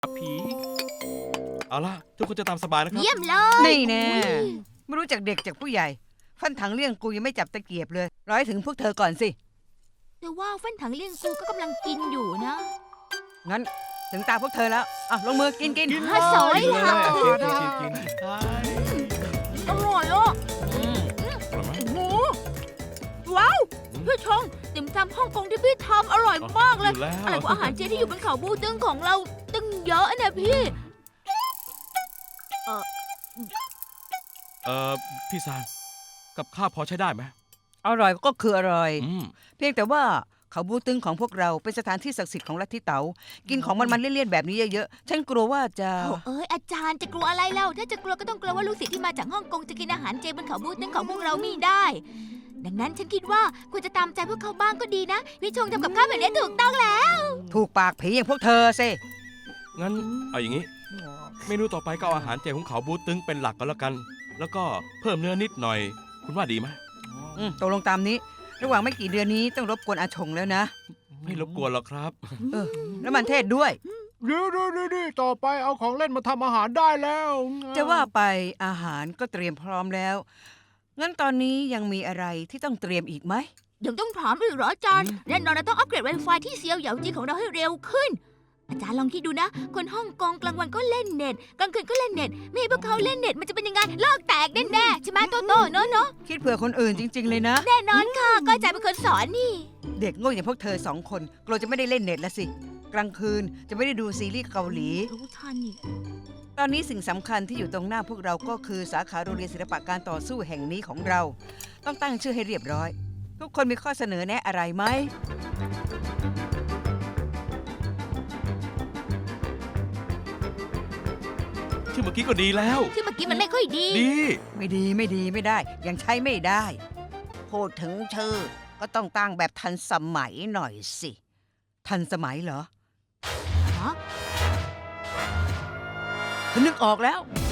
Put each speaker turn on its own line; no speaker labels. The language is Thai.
ผีเอาล่ะทุกคนจะตามสบายนะครับ
เยี่ยมเลย
นี่แน่
อุ๊ย
ไม่รู้จักเด็กจากผู้ใหญ่ ฟันถังเลี่ยงกูยังไม่จับตะเกียบเลยร้อยถึงพวกเธอก่อนสิ
แต่ว่าฟันถังเลี้ยงกูก็กำลังกินอยู่นะ
งั้นถึงตาพวกเธอแล้วอ่ะลงมือกิน
ฮะสอย
กินเลย
ค่ะ
กิน
อร่อยอ่ะ
อืม
อร่อยไหม
หมูว้าวพี่ชงติ่มซำฮ่องกงที่พี่ทำอร่อยมากเลย
อยู่แล้ว
อะไรกว่าอาหารเจที่อยู่บนเขาบูตึงของเราตึงเยอะนะพี่
พี่ซานกับข้าวพอใช้ได้ไหม
อร่อยก็คืออร่อย
อืม
เพียงแต่ว่าเขาบูตึงของพวกเราเป็นสถานที่ศักดิ์สิทธิ์ของลัทธิเต๋ากินของมันๆเลี่ยนๆแบบนี้เยอะๆฉันกลัวว่าจะ
โอ้เอ้ยอาจารย์จะกลัวอะไรเล่าถ้าจะกลัวก็ต้องกลัวว่าลูกศิษย์ที่มาจากฮ่องกงจะกินอาหารเจบนเขาบูตึงของพวกเราไม่ได้ ดังนั้นฉันคิดว่าควรจะตามใจพวกเขาบ้างก็ดีนะพี่ชงทำกับข้าวแบบนี้ถูกต้องแล้ว
ถูกปากผีอย่างพวกเธอสิ
งั้นเอาอย่างนี้ เมนูต่อไปก็เอาอาหารเจของเขาบูตึงเป็นหลักก็แล้วกัน แล้วก็เพิ่มเนื้อนิดหน่อย คุณว่าดีไหม
ตกลงตามนี้ ระหว่างไม่กี่เดือนนี้ต้องรบกวนอาชงแล้วนะ
ไม่รบกวนหรอกครับ
แล้วมันเทศด้วย
เดี๋ยวต่อไปเอาของเล่นมาทำอาหารได้แล้ว
จะว่าไปอาหารก็เตรียมพร้อมแล้ว งั้นตอนนี้ยังมีอะไรที่ต้องเตรียมอีกไหม
ยังต้องถามอีกเหรออาจารย์แน่นอนเราต้องอัปเกรด Wi-Fi ที่เซียวเหยาจีของเราให้เร็วขึ้น อาจารย์ลองคิดดูนะ คนฮ่องกงกลางวันก็เล่นเน็ตกลางคืนก็เล่นเน็ตไม่ให้พวกเขาเล่นเน็ตมันจะเป็นยังไงโลกแตกแน่ๆใช่ไหมโตโต้เนาะ
คิดเผื่อคนอื่นจริง ๆ เลยนะ
แน่นอนค่ะก็อาจารย์เป็นคนสอนนี่
เด็กโง่อย่างพวกเธอ2 คนกลัวจะไม่ได้เล่นเน็ตละสิ กลางคืนจะไม่ได้ดูซีรีส์เกาหลี
รู้ทันอีก
ตอนนี้สิ่งสำคัญที่อยู่ตรงหน้าพวกเราก็คือสาขาโรงเรียนศิลปะการต่อสู้แห่งนี้ของเรา ต้องตั้งชื่อให้เรียบร้อย ทุกคนมีข้อเสนอแนะอะไรไหม
ชื่อเมื่อกี้ก็ดีแล้ว
ที่เมื่อกี้มันไม่ค่อยดี
ดี
ไม่ได้ยังใช้ไม่ได้พูดถึงชื่อก็ต้องตั้งแบบทันสมัยหน่อยสิ ทันสมัยเหรอ
ฮะ
ฉันนึกออกแล้ว